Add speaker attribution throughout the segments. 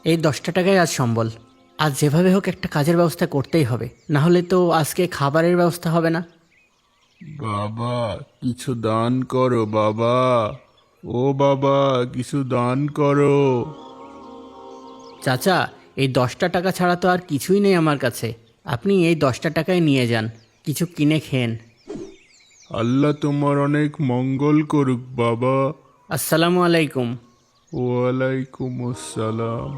Speaker 1: এই 10টা টাকায় আজ সম্বল। আজ যেভাবে হোক একটা কাজের ব্যবস্থা করতেই হবে, না হলে তো আজকে খাবারের ব্যবস্থা হবে না।
Speaker 2: বাবা, কিছু দান করো বাবা। ও বাবা, কিছু দান করো।
Speaker 1: চাচা, এই 10টা টাকা ছাড়া তো আর কিছুই নেই আমার কাছে। আপনি এই 10টা টাকায় নিয়ে যান, কিছু কিনে খেন।
Speaker 2: আল্লাহ তোমার অনেক মঙ্গল করুক বাবা।
Speaker 1: আসসালামু আলাইকুম।
Speaker 2: ওয়ালাইকুম আসসালাম।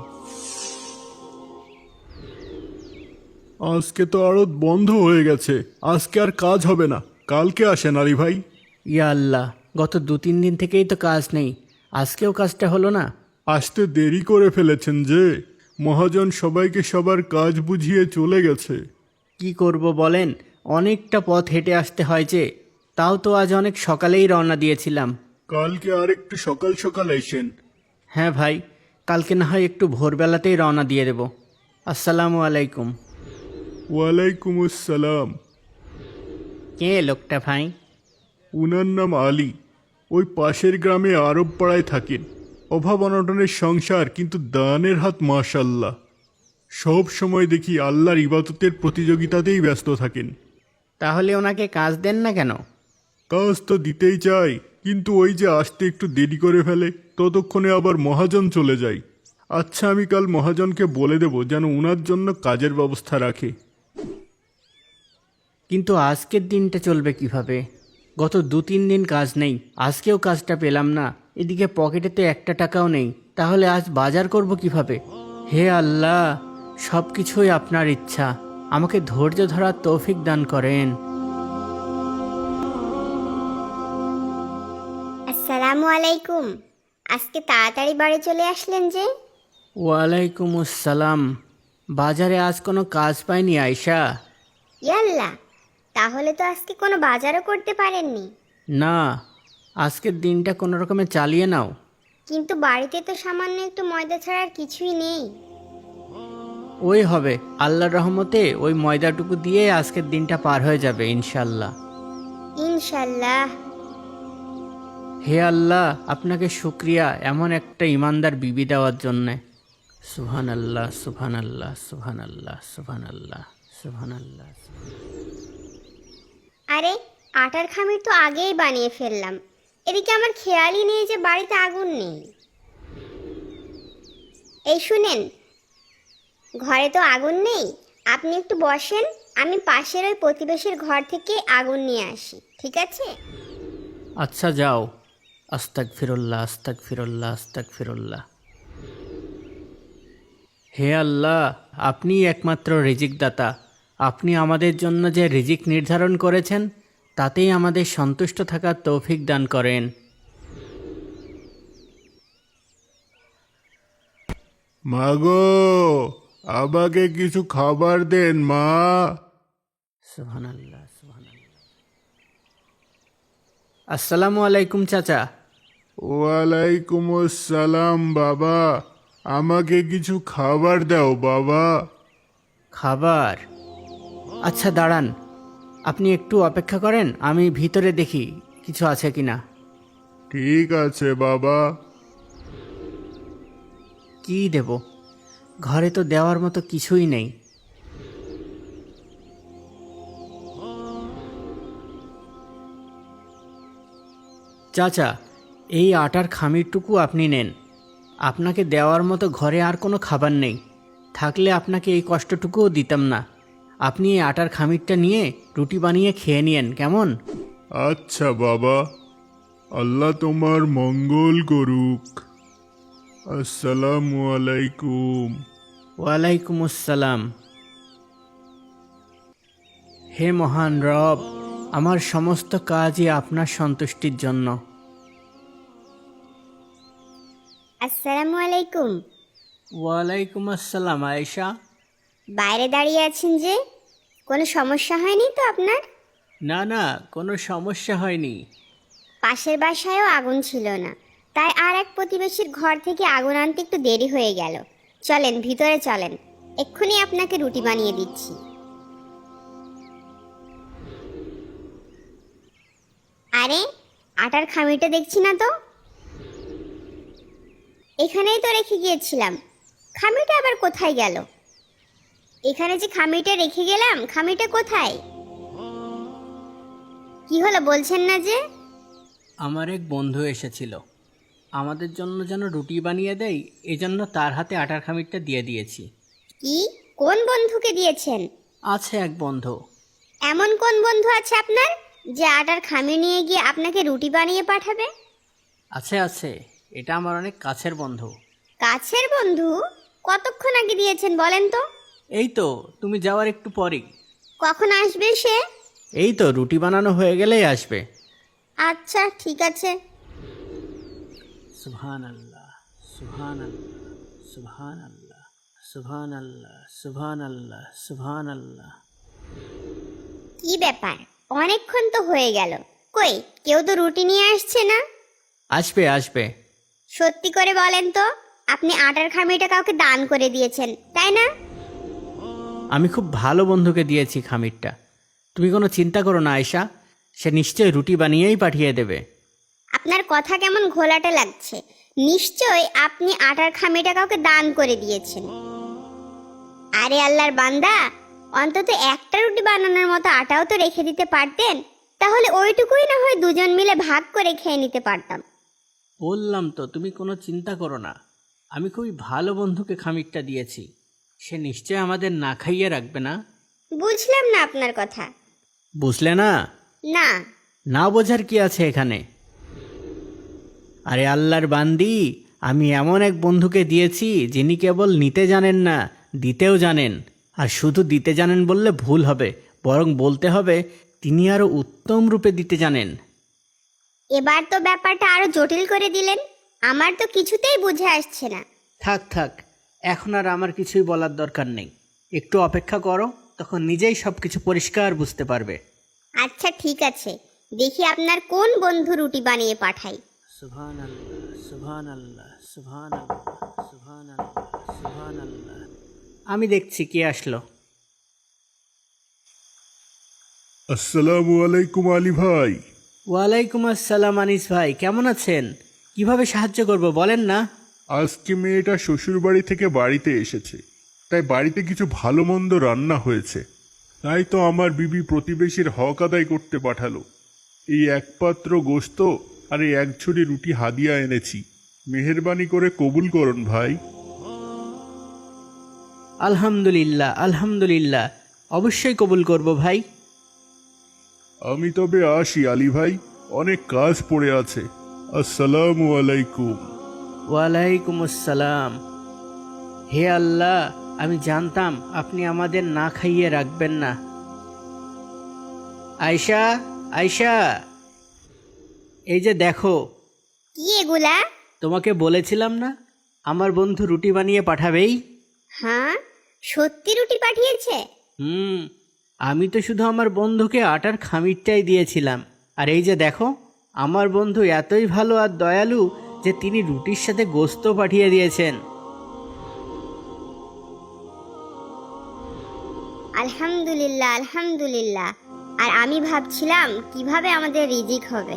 Speaker 2: আজকে তো আড়ত বন্ধ হয়ে গেছে, আজকে আর কাজ হবে না। কালকে আসেন আলী ভাই।
Speaker 1: ইয়া আল্লাহ, গত 2-3 দিন থেকেই তো কাজ নেই, আজকেও কাজটা হলো না।
Speaker 2: আসতে দেরি করে ফেলেছেন যে, মহাজন সবাইকে সবার কাজ বুঝিয়ে চলে গেছে।
Speaker 1: কি করব বলেন, অনেকটা পথ হেঁটে আসতে হয় যে। তাও তো আজ অনেক সকালেই রওনা দিয়েছিলাম।
Speaker 2: কালকে আর একটু সকাল সকাল এসেন।
Speaker 1: হ্যাঁ ভাই, কালকে না হয় একটু ভোরবেলাতেই রওনা দিয়ে দেব। আসসালামু আলাইকুম।
Speaker 2: ওয়ালাইকুম আসসালাম।
Speaker 1: কে লোকটা ভাই?
Speaker 2: উনার নাম আলী। ওই পাশের গ্রামে আরব পাড়ায় থাকেন। অভাব অনটনের সংসার, কিন্তু দানের হাত মাশাল্লাহ। সব সময় দেখি আল্লাহর ইবাদতের প্রতিযোগিতাতেই ব্যস্ত থাকেন।
Speaker 1: তাহলে ওনাকে কাজ দেন না কেন?
Speaker 2: কাজ তো দিতেই চাই, কিন্তু ওই যে আসতে একটু দেরি করে ফেলে, ততক্ষণে আবার মহাজন চলে যায়। আচ্ছা, আমি কাল মহাজনকে বলে দেব যেন উনার জন্য কাজের ব্যবস্থা রাখে।
Speaker 1: কিন্তু আজকের দিনটা চলবে কিভাবে? গত 2-3 দিন কাজ নেই, আজকেও কাজটা পেলাম না। এদিকে পকেটে তো একটা টাকাও নেই, তাহলে আজ বাজার করব কিভাবে? হে আল্লাহ, সব কিছুই আপনার ইচ্ছা, আমাকে ধৈর্য ধরার তৌফিক দান করেন।
Speaker 3: আসসালামু আলাইকুম। আজকে তাড়াতাড়ি বাড়ি চলে আসলেন যে?
Speaker 1: ওয়ালাইকুম আসসালাম। বাজারে আজ কোনো কাজ পাইনি আয়শা।
Speaker 3: ইয়াল্লা, তাহলে তো আজকে কোনো বাজারও করতে পারেননি।
Speaker 1: না, আজকের দিনটা কোনো রকমে চালিয়ে নাও।
Speaker 3: কিন্তু বাড়িতে তো সামান্য একটু ময়দা ছাড়া আর কিছুই নেই।
Speaker 1: ওই হবে, আল্লাহর রহমতে ওই ময়দাটুকু দিয়ে আজকের দিনটা পার হয়ে যাবে ইনশাল্লাহ।
Speaker 3: ইনশাল্লাহ।
Speaker 1: হে আল্লাহ, আপনাকে শুক্রিয়া এমন একটা ইমানদার বিবি দেওয়ার জন্যে। সুবহান আল্লাহ, সুবহান আল্লাহ, সুবহান আল্লাহ, সুবহান আল্লাহ, সুবহান আল্লাহ।
Speaker 3: আরে, আটার খামির তো আগেই বানিয়ে ফেললাম। এদিকে আমার খেয়ালই নেই যে বাড়িতে আগুন নেই। এই শুনেন, ঘরে তো আগুন নেই, আপনি একটু বসেন, আমি পাশের ওই প্রতিবেশীর ঘর থেকে আগুন নিয়ে আসি, ঠিক আছে?
Speaker 1: আচ্ছা যাও। আস্তাগফিরুল্লাহ, আস্তাগফিরুল্লাহ, আস্তাগফিরুল্লাহ। হে আল্লাহ, আপনিই একমাত্র রিজিক দাতা। আপনি আমাদের জন্য যে রিজিক নির্ধারণ করেছেন, তাতেই আমাদের সন্তুষ্ট থাকার তৌফিক দান করেন।
Speaker 2: মাগো, আমাকে কিছু খাবার দেন মা।
Speaker 1: সুবহানাল্লাহ, সুবহানাল্লাহ। আসসালামু আলাইকুম চাচা।
Speaker 2: ওয়ালাইকুম আসসালাম বাবা। আমাকে কিছু খাবার দাও বাবা।
Speaker 1: খাবার? আচ্ছা দাঁড়ান, আপনি একটু অপেক্ষা করেন, আমি ভিতরে দেখি কিছু আছে কিনা।
Speaker 2: ঠিক আছে বাবা।
Speaker 1: কি দেব? ঘরে তো দেওয়ার মতো কিছুই নেই। চাচা, এই আটার খামিরটুকু আপনি নেন। আপনাকে দেওয়ার মতো ঘরে আর কোনো খাবার নেই, থাকলে আপনাকে এই কষ্টটুকুও দিতাম না। আপনি এই আটার খামিরটা নিয়ে রুটি বানিয়ে খেয়ে নিয়েন, কেমন?
Speaker 2: আচ্ছা বাবা, আল্লাহ তোমার মঙ্গল করুক। আসসালামু আলাইকুম।
Speaker 1: ওয়ালাইকুম আসসালাম। হে মহান রব, আমার সমস্ত কাজই আপনার সন্তুষ্টির জন্য।
Speaker 3: আসসালামু আলাইকুম।
Speaker 1: ওয়ালাইকুম আসসালাম আয়েশা।
Speaker 3: বাইরে দাঁড়িয়ে আছেন যে, কোনো সমস্যা হয়নি তো আপনার?
Speaker 1: না না, কোনো সমস্যা হয়নি।
Speaker 3: পাশের বাসায়ও আগুন ছিল না, তাই আর এক প্রতিবেশীর ঘর থেকে আগুন আনতে একটু দেরি হয়ে গেল। চলেন ভিতরে চলেন, এক্ষুনি আপনাকে রুটি বানিয়ে দিচ্ছি। আরে, আটার খামিটা দেখছি না তো। এখানেই তো রেখে গিয়েছিলাম, খামিটা আবার কোথায় গেল? এখানে যে খামিটা রেখে গেলাম, খামিটা কোথায়? কি হলো বলছেন না যে?
Speaker 1: আমার এক বন্ধু এসেছিল, আমাদের জন্য যেন রুটি বানিয়ে দেয়, এজন্য তার হাতে আটার খামিরটা দিয়ে দিয়েছি।
Speaker 3: কি? কোন বন্ধুকে দিয়েছেন?
Speaker 1: আছে এক বন্ধু।
Speaker 3: এমন কোন বন্ধু আছে আপনার যে আটার খামি নিয়ে গিয়ে আপনাকে রুটি বানিয়ে পাঠাবে?
Speaker 1: আছে আছে, এটা আমার অনেক কাছের বন্ধু।
Speaker 3: কাছের বন্ধু? কতক্ষণ আগে দিয়েছেন বলেন তো?
Speaker 1: এই তো তুমি যাওয়ার একটু পরেই।
Speaker 3: কখন আসবে সে?
Speaker 1: এই তো রুটি বানানো হয়ে গেলেই আসবে।
Speaker 3: আচ্ছা ঠিক আছে।
Speaker 1: সুবহান আল্লাহ, সুবহান আল্লাহ, সুবহান আল্লাহ, সুবহান আল্লাহ, সুবহান আল্লাহ, সুবহান আল্লাহ।
Speaker 3: কি ব্যাপার, অনেকক্ষণ তো হয়ে গেল, কই কেউ তো রুটি নিয়ে আসছে না?
Speaker 1: আসবে আসবে।
Speaker 3: সত্যি করে বলেন তো, আপনি আটার খামিটা কাউকে দান করে দিয়েছেন তাই না?
Speaker 1: আমি খুব ভালো বন্ধুকে দিয়েছি খামিরটা, তুমি কোনো চিন্তা করো না আয়শা, সে নিশ্চয়ই রুটি বানিয়েই পাঠিয়ে দেবে।
Speaker 3: আপনার কথা কেমন ঘোলাটে লাগছে। নিশ্চয় আপনি আটার খামিটা কাউকে দান করে দিয়েছেন। আরে আল্লাহর বান্দা, অন্তত একটা রুটি বানানোর মতো আটাও তো রেখে দিতে পারতেন, তাহলে ওইটুকুই না হয় দুজন মিলে ভাগ করে খেয়ে নিতে পারতাম।
Speaker 1: বললাম তো তুমি কোনো চিন্তা করো না, আমি খুবই ভালো বন্ধুকে খামিরটা দিয়েছি, সে নিশ্চয় আমাদের না খাইয়ে রাখবে না।
Speaker 3: বুঝলাম না আপনার কথা।
Speaker 1: বুঝলে না?
Speaker 3: না।
Speaker 1: না বোঝার কি আছে এখানে? আরে আল্লাহর বান্দি, আমি এমন এক বন্ধুকে দিয়েছি যিনি কেবল নিতে জানেন না, দিতেও জানেন। আর শুধু দিতে জানেন বললে ভুল হবে, বরং বলতে হবে তিনি আরও উত্তম রূপে দিতে জানেন।
Speaker 3: এবার তো ব্যাপারটা আরো জটিল করে দিলেন, আমার তো কিছুতেই বুঝে আসছে না।
Speaker 1: থাক থাক, এখন আর আমার কিছুই বলার দরকার নেই, একটু অপেক্ষা করো, তখন নিজেই সব কিছু পরিষ্কার বুঝতে পারবে।
Speaker 3: আচ্ছা ঠিক আছে, দেখি আপনার কোন বন্ধু রুটি বানিয়ে পাঠাই।
Speaker 1: সুবহান আল্লাহ, সুবহান আল্লাহ, সুবহান আল্লাহ, সুবহান আল্লাহ, সুবহান আল্লাহ। আমি দেখছি কে আসলো।
Speaker 2: আসসালামু আলাইকুম আলী ভাই।
Speaker 1: ওয়ালাইকুম আসসালাম আনিস ভাই, কেমন আছেন? কিভাবে সাহায্য করব বলেন না?
Speaker 2: আজকে মেয়েটা শ্বশুরবাড়ি থেকে বাড়িতে এসেছে, তাই বাড়িতে কিছু ভালো মন্দ রান্না হয়েছে, তাই তো আমার বিবি প্রতিবেশীর হক আদায় করতে পাঠালো। এই এক পাত্র গোশত আর এই এক ঝুড়ি রুটি হাদিয়া এনেছি, মেহেরবানি করে কবুল করুন ভাই।
Speaker 1: আলহামদুলিল্লাহ আলহামদুলিল্লাহ, অবশ্যই কবুল করব ভাই।
Speaker 2: আমি তবে আসি আলী ভাই, অনেক কাজ পড়ে আছে। আসসালামু আলাইকুম।
Speaker 1: ওয়ালাইকুম আসসালাম। হে আল্লাহ, আমি জানতাম আপনি আমাদের না খাইয়ে রাখবেন না। আয়শা, আয়শা, এই যে দেখো।
Speaker 3: কি এগুলা?
Speaker 1: তোমাকে বলেছিলাম না আমার বন্ধু রুটি বানিয়ে পাঠাবেই?
Speaker 3: হ্যাঁ, সত্যি রুটি পাঠিয়েছে?
Speaker 1: আমি তো শুধু আমার বন্ধুকে আটার খামিরটাই দিয়েছিলাম, আর এই যে দেখো, আমার বন্ধু এতই ভালো আর দয়ালু যে তিনি রুটির সাথে গোশত পাঠিয়ে দিয়েছেন।
Speaker 3: আলহামদুলিল্লাহ আলহামদুলিল্লাহ। আর আমি ভাবছিলাম কিভাবে আমাদের রিজিক হবে।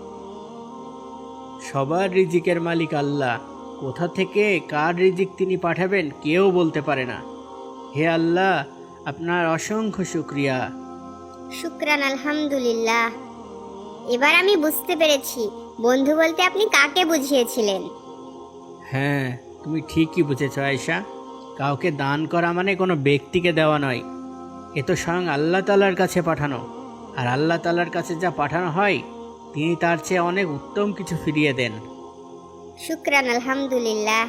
Speaker 1: সবার রিজিকের মালিক আল্লাহ, কোথা থেকে কার রিজিক তিনি পাঠাবেন কেউ বলতে পারে না। হে আল্লাহ, আপনার অসংখ্য শুকরিয়া।
Speaker 3: শুকরান আলহামদুলিল্লাহ। এবার আমি বুঝতে পেরেছি বন্ধু বলতে আপনি কাকে বুঝিয়েছিলেন।
Speaker 1: হ্যাঁ, তুমি ঠিকই বুঝেছ আয়েশা, কাউকে দান করা মানে কোনো ব্যক্তিকে দেওয়া নয়, এ তো স্বয়ং আল্লাহ তাআলার কাছে পাঠানো, আর আল্লাহ তাআলার কাছে যা পাঠানো হয় তিনি তার চেয়ে অনেক উত্তম কিছু ফিরিয়ে দেন।
Speaker 3: শুকরান আলহামদুলিল্লাহ।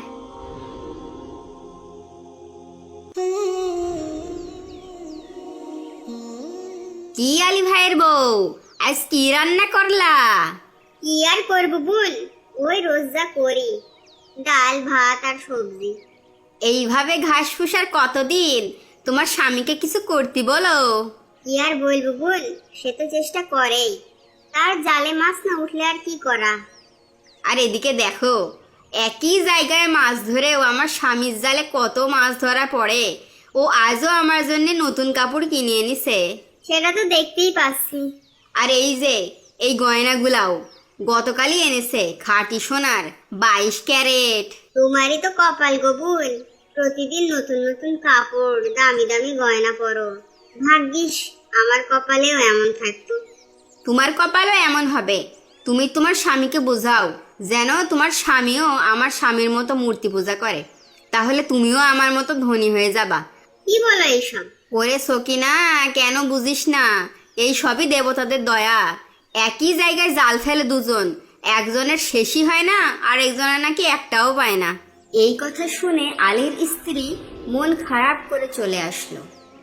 Speaker 4: কি আলী ভাইয়ের বউ, আজ কি রান্না করলা?
Speaker 3: কি আর করবো বোন, ওই রোজ যা করি, ডাল ভাত আর সবজি।
Speaker 4: এইভাবে ঘাস ফুসার কতদিন? তোমার স্বামীকে কিছু করতে বলো।
Speaker 3: কি আর বলবো বোন, সে তো চেষ্টা করেই, তার জালে মাছ না উঠলে আর কি করা।
Speaker 4: আর এদিকে দেখো, একই জায়গায় মাছ ধরেও আমার স্বামীর জালে কত মাছ ধরা পড়ে। ও আজও আমার জন্য নতুন কাপড় কিনে এনেছে।
Speaker 3: সেটা তো দেখতেই পাচ্ছি।
Speaker 4: আর এই যে এই গয়নাগুলাও গতকালই এনেছে, খাঁটি সোনার 22 ক্যারেট।
Speaker 3: তোমারই তো কপাল গো বোন, প্রতিদিন নতুন নতুন কাপড়, দামি দামি গয়না পরো। ভাগ্যিস আমার কপালেও এমন থাকতো।
Speaker 4: তোমার কপালও এমন হবে। তুমি তোমার স্বামীকে বোঝাও যেন তোমার স্বামীও আমার স্বামীর মতো মূর্তি পূজা করে, তাহলে তুমিও আমার মতো ধনী হয়ে যাবা।
Speaker 3: কি বলো এইসব?
Speaker 4: ওরে সকিনা, কেন বুঝিস না? এই সবই দেবতাদের দয়া। একই জায়গায় জাল ফেলে দুজন, একজনের শেষই হয় না আর একজনের নাকি একটাও পায় না। এই কথা শুনে আলীর স্ত্রী মন খারাপ করে চলে আসলো।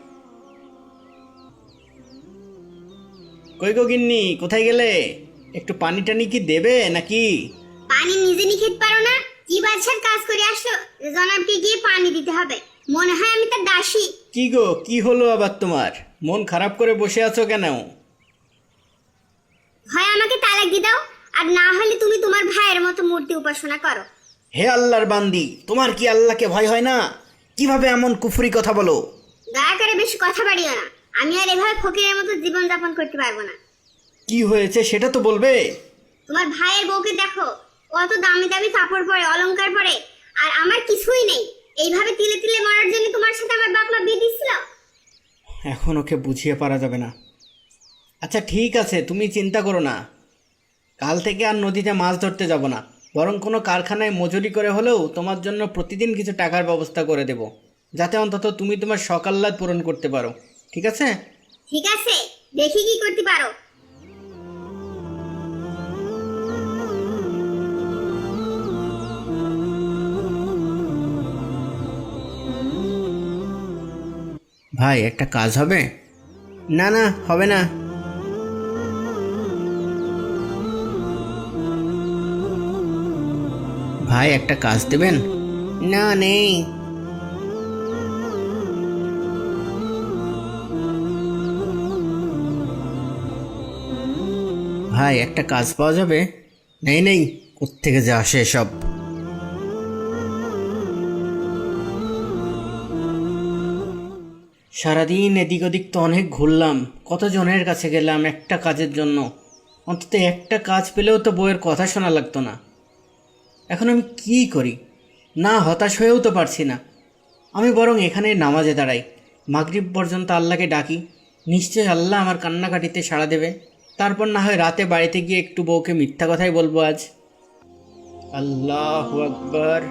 Speaker 1: কই গো গিন্নি, কোথায় গেলে? একটু পানি টানি কি দেবে নাকি?
Speaker 3: পানি নিজে নিয়ে খেতে পারো না? কি বাদশার কাজ করে আসলো যে জনাবকে গিয়ে পানি দিতে হবে? মনে হয় আমি তার দাসী।
Speaker 1: কি গো, কি হলো আবার তোমার? মন খারাপ করে বসে আছো কেন?
Speaker 3: হয় আমাকে তালাক দিয়ে দাও, আর না হলে তুমি তোমার ভাইয়ের মতো মূর্তি উপাসনা করো।
Speaker 1: হে আল্লাহর বান্দি, তোমার কি আল্লাহকে ভয় হয় না? কিভাবে এমন কুফরি কথা বলো?
Speaker 3: দয়া করে বেশি কথা বাড়িও না। আমি আর এভাবে ফকিরের মতো জীবন যাপন করতে পারবো না।
Speaker 1: কি হয়েছে সেটা তো বলবে।
Speaker 3: তোমার ভাইয়ের বউকে দেখো, কত দামি দামি কাপড় পরে, অলংকার পরে, আর আমার কিছুই নেই। এইভাবে তিলে তিলে মরার জন্য তোমার সাথে আমার বাপ মা বিয়ে দিছিল।
Speaker 1: এখন ওকে বুঝিয়ে পারা যাবে না। আচ্ছা ঠিক আছে, তুমি চিন্তা করো না। কাল থেকে আর নদীতে মাছ ধরতে যাব না, বরং কোনো কারখানায় মজুরি করে হলেও তোমার জন্য প্রতিদিন কিছু টাকার ব্যবস্থা করে দেব, যাতে অন্তত তুমি তোমার শখ আহ্লাদ পূরণ করতে পারো। ঠিক আছে?
Speaker 3: ঠিক আছে, দেখি কি করতে পারো।
Speaker 1: ভাই, একটা কাজ হবে? না না, হবে না। ভাই, একটা কাজ দেবেন? না, নেই। ভাই, একটা কাজ পাওয়া যাবে? নেই নেই, কোত্থেকে যে আসে সব। সারাদিন এদিক ওদিক তো অনেক ঘুরলাম, কতজনের কাছে গেলাম একটা কাজের জন্য। অন্তত একটা কাজ পেলেও তো বউয়ের কথা শোনা লাগতো না। এখন আমি কি করি? না, হতাশ হয়েও তো পারছি না। আমি বরং এখানে নামাজে দাঁড়াই, মাগরিব পর্যন্ত আল্লাহকে ডাকি। নিশ্চয়ই আল্লাহ আমার কান্নাকাটিতে সাড়া দেবে। তারপর না হয় রাতে বাড়িতে গিয়ে একটু বউকে মিথ্যা কথাই বলবো আজ। আল্লাহু আকবার।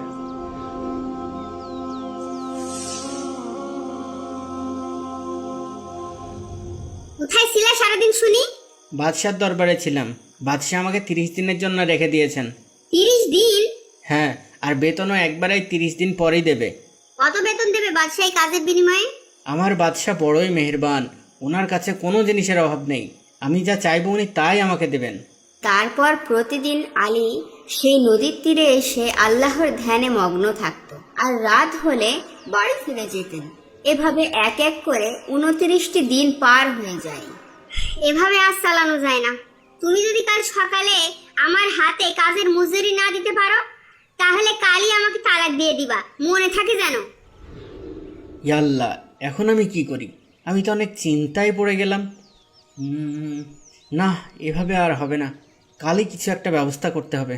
Speaker 3: কোথায় ছিলা সারাদিন শুনি?
Speaker 1: বাদশার দরবারে ছিলাম। বাদশাহ আমাকে 30 দিনের জন্য রেখে দিয়েছেন।
Speaker 3: 30 দিন?
Speaker 1: হ্যাঁ, আর বেতনও একবারেই 30 দিন পরেই দেবে।
Speaker 3: কত বেতন দেবে বাদশাহ এই কাজের বিনিময়ে?
Speaker 1: আমার বাদশাহ বড়ই মেহেরবান, ওনার কাছে কোনো জিনিসের অভাব নেই। আমি যা চাইবো উনি তাই আমাকে দেবেন।
Speaker 4: তারপর প্রতিদিন আলী সেই নদীর তীরে এসে আল্লাহর ধ্যানে মগ্ন থাকত, আর রাত হলে বাড়ি ফিরে যেতেন। এভাবে এক এক করে 29টি দিন পার হয়ে যায়।
Speaker 3: এভাবে আজ চালানো যায় না। তুমি যদি কাল সকালে আমার হাতে কাজের মজুরি না দিতে পারো, তাহলে কালই আমাকে তালাক দিয়ে দিবা, মনে থাকে যেন।
Speaker 1: ইয়া আল্লাহ, এখন আমি কি করি? আমি তো অনেক চিন্তায় পড়ে গেলাম। না, এভাবে আর হবে না, কালই কিছু একটা ব্যবস্থা করতে হবে।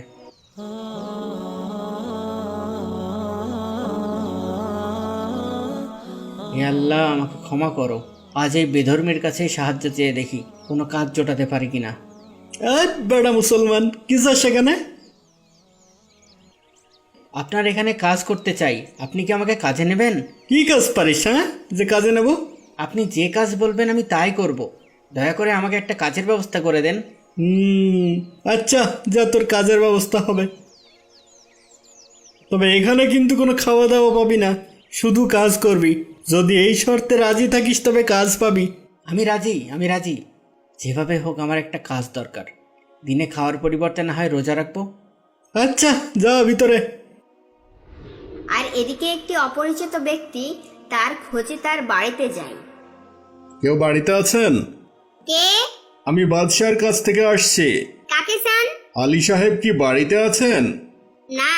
Speaker 1: হে আল্লাহ, আমাকে ক্ষমা করো। আজ এই বেধর্মের কাছেই সাহায্য চেয়ে দেখি কোনো কাজ জোটাতে পারি কিনা। বেড়া মুসলমান, কি যা সেখানে? আপনার এখানে কাজ করতে চাই, আপনি কি আমাকে কাজে নেবেন?
Speaker 2: কি কাজ পারিস, হ্যাঁ, যে কাজে নেব?
Speaker 1: আপনি যে কাজ বলবেন আমি তাই করব। দয়া করে আমাকে একটা কাজের ব্যবস্থা করে দেন।
Speaker 2: আচ্ছা, যা, তোর কাজের ব্যবস্থা হবে। তবে এখানে কিন্তু কোনো খাওয়া দাওয়া পাবি না, শুধু কাজ করবি। যদি এই শর্তে রাজি থাকিস তবে কাজ পাবি।
Speaker 1: আমি রাজি, আমি রাজি। যেভাবে হোক আমার একটা কাজ দরকার। দিনে খাওয়ার পরিবর্তে না হয় রোজা রাখবো।
Speaker 2: আচ্ছা, যা ভিতরে।
Speaker 4: আর এদিকে একটি অপরিচিত ব্যক্তি তার খোঁজে তার বাড়িতে যায়।
Speaker 2: কেউ বাড়িতে আছেন?
Speaker 3: কে?
Speaker 2: আমি বাদশার কাছ থেকে আসছি।
Speaker 3: কাকে চান?
Speaker 2: আলী সাহেব কি বাড়িতে আছেন?
Speaker 3: না,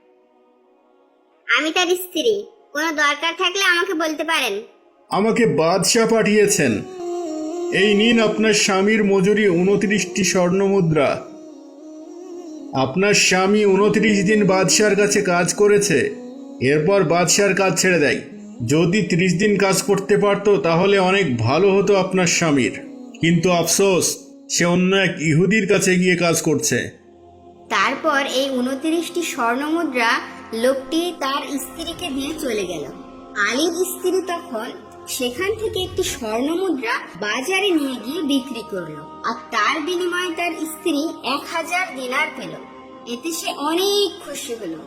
Speaker 3: আমি তার স্ত্রী। কোনো দরকার থাকলে আমাকে বলতে পারেন।
Speaker 2: আমাকে বাদশাহ পাঠিয়েছেন। এই নিন আপনার স্বামীর মজুরি 29টি স্বর্ণ মুদ্রা। আপনার স্বামী 29 দিন বাদশার কাছে কাজ করেছে, এরপর বাদশার কাজ ছেড়ে দেয়। যদি 30 দিন কাজ করতে পারতো তাহলে অনেক ভালো হতো আপনার স্বামীর, কিন্তু আফসোস সে অন্য এক ইহুদির কাছে গিয়ে কাজ করছে।
Speaker 4: তারপর এই 29টি স্বর্ণমুদ্রা লোকটি তার স্ত্রীকে দিয়ে চলে গেল। আলীর স্ত্রী তখন সেখান থেকে একটি স্বর্ণমুদ্রা বাজারে নিয়ে গিয়ে বিক্রি করলো, আর তার বিনিময়ে তার স্ত্রী 1000 দিনার পেল। এতে সে অনেক খুশি হলো।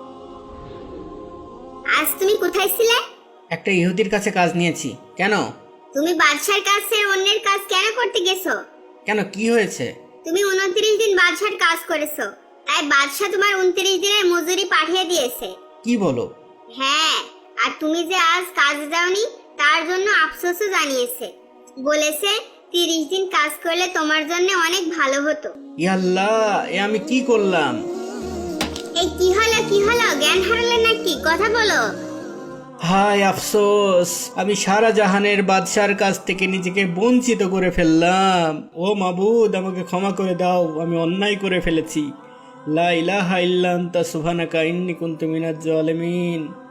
Speaker 3: আজ তুমি কোথায় ছিলে?
Speaker 1: একটা ইহুদির কাছে কাজ নিয়েছি। কেন?
Speaker 3: তুমি বাদশার কাজ ছেড়ে অন্যের কাজ কেন করতে গেছো?
Speaker 1: কেন, কি হয়েছে?
Speaker 3: তুমি 29 দিন বাদশার কাজ করেছো, তাই বাদশা তোমার 29 দিনের মজুরি পাঠিয়ে দিয়েছে।
Speaker 1: কি বলো?
Speaker 3: হ্যাঁ, আর তুমি যে আজ কাজে যাওনি তার জন্য আফসোসও জানিয়েছে। বলেছে 30 দিন কাজ করলে তোমার জন্য অনেক ভালো হতো।
Speaker 1: ইয়াল্লাহ, এ আমি কি করলাম?
Speaker 3: এই কি হলো জ্ঞান হারালে নাকি? কথা বলো।
Speaker 1: হায় আফসোস, আমি সারা জাহানের বাদশার কাছ থেকে নিজেকে বঞ্চিত করে ফেললাম। ও মাবুদ, আমাকে ক্ষমা করে দাও, আমি অন্যায় করে ফেলেছি। লা ইলাহা ইল্লা আনতা সুবহানাকা ইন্নী কুনতু মিনাজ জালিমিন।